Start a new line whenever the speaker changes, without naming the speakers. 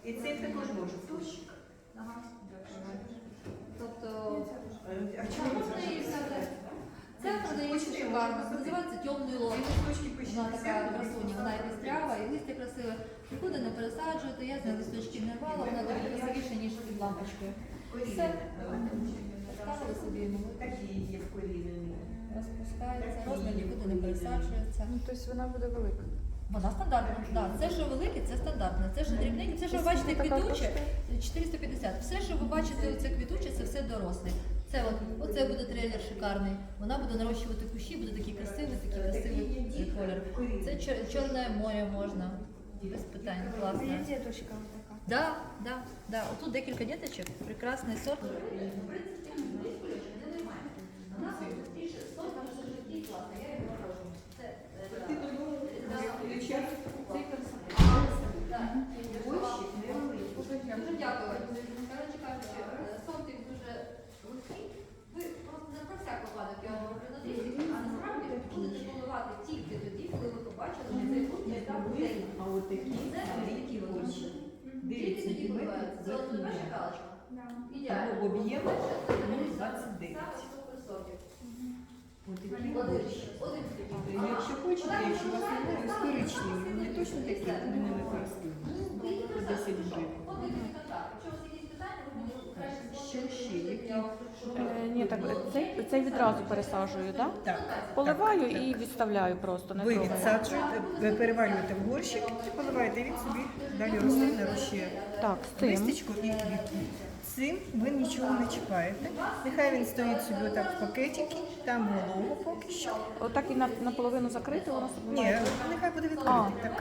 І цей також може бути.
Ага. Тобто,
А чому ви
можна її
це?
взяти. Це продається шикарно, це називається темний лом. Вона така красуня, вона і пістрява, і листя красиве. Нікуди не пересаджуєте, я з неї листочки не рвала, вона дуже красивіша, ніж під лампочкою. Все, поставили собі,
Такі є вкорінені.
розпускається, розмір нікуди не пересаджується.
Ну, тобто вона буде велика.
Вона стандартна, так. Це, що велике, це стандартне. Це, що дрібненьке, це, що ви бачите квітуче, 450. Все, що ви бачите, оце квітуче, це все доросле. Це оце буде трейлер шикарний. Вона буде нарощувати кущі, буде такий красивий колір. Це Чорне море можна. Без питань, класно.
Дідушка така.
Да. Отут декілька діточок, прекрасний сорт. Дуже дякую. Коротше кажучи, сортик дуже легкий. Ви просто не про всяк випадок я вам говорю на дисі, а насправді будете планувати тільки тоді, коли ви побачили, що цей фрукт є там день.
А от такі
Це великі гроші. Тільки
9
тоді коливається. Це от
сантиметрів.
перша галочка. Ідеально.
Або об'єм
Перше, це
29.
саме супер сортик.
От такі
Один.
гроші.
Один.
Якщо хочете, якщо у вас немає, ось коричневі, вони точно такі, вони ними користуються. По 10 гривень.
Подивіться контакт. Якщо у вас якісь питання, ви мені краще
Що ще? Які?
Ні, так, цей відразу пересаджую, так?
Так.
Поливаю і відставляю просто, не
Ви
трогаю.
відсаджуєте, ви перевалюєте в горщик і поливаєте, він собі далі росте, нарощує
Так, з тим.
листечко і квітку. Цим ви нічого не чіпаєте. Нехай він стоїть собі отак в пакетики, там волого поки що.
Отак і наполовину закрити, воно собі
Ні,
має.
нехай буде відкритий. Так